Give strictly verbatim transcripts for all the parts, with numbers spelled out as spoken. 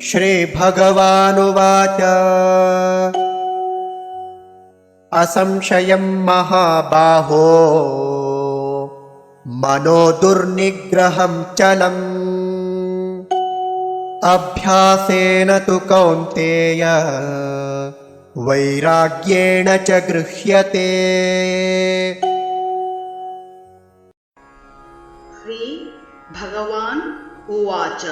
श्रीभगवानुवाच असंशयं महाबाहो मनो दुर्निग्रहं चलम् अभ्यासेन तु कौन्तेय वैराग्येण च गृह्यते। श्री भगवान् उवाच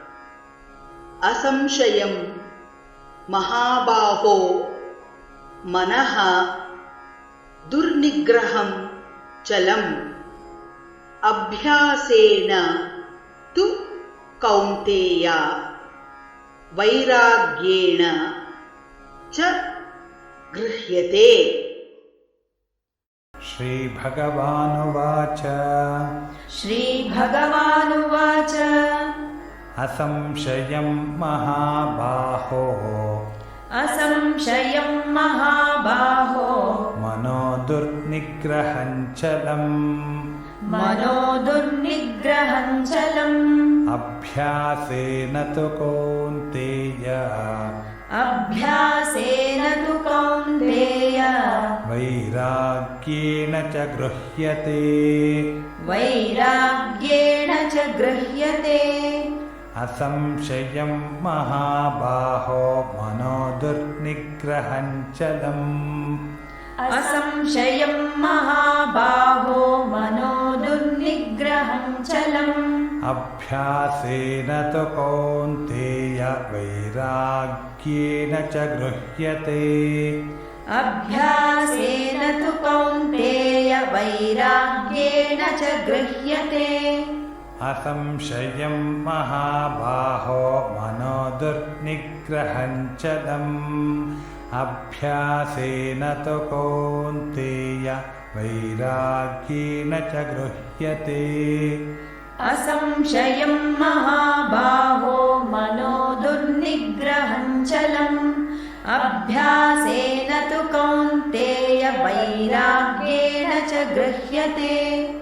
असंशयं महाबाहो मनः दुर्निग्रहं चलम् अभ्यासेन तु कौन्तेय वैराग्येण च गृह्यते। श्रीभगवानुवाच श्रीभगवानुवाच असंशयं महाबाहो असंशयं महाबाहो मनो दुर्निग्रहं चलम् मनो दुर्निग्रहं चलम् अभ्यासेन तु कौन्तेय अभ्यासेन तु कौन्तेय वैराग्येण च गृह्यते वैराग्येण च गृह्यते। असंशयं महाबाहो मनो दुर्निग्रहं चलम् असंशयं महाबाहो मनो दुर्निग्रहं चलम् अभ्यासेन तु कौन्तेय वैराग्येन च गृह्यते अभ्यासेन तु कौन्तेय वैराग्येण च गृह्यते। असंशयं महाबाहो मनो दुर्निग्रहं चलम् अभ्यासेन तु कौन्तेय वैराग्येण च गृह्यते। असंशयं महाबाहो मनो दुर्निग्रहं चलम् अभ्यासेन तु कौन्तेय वैराग्येण च गृह्यते।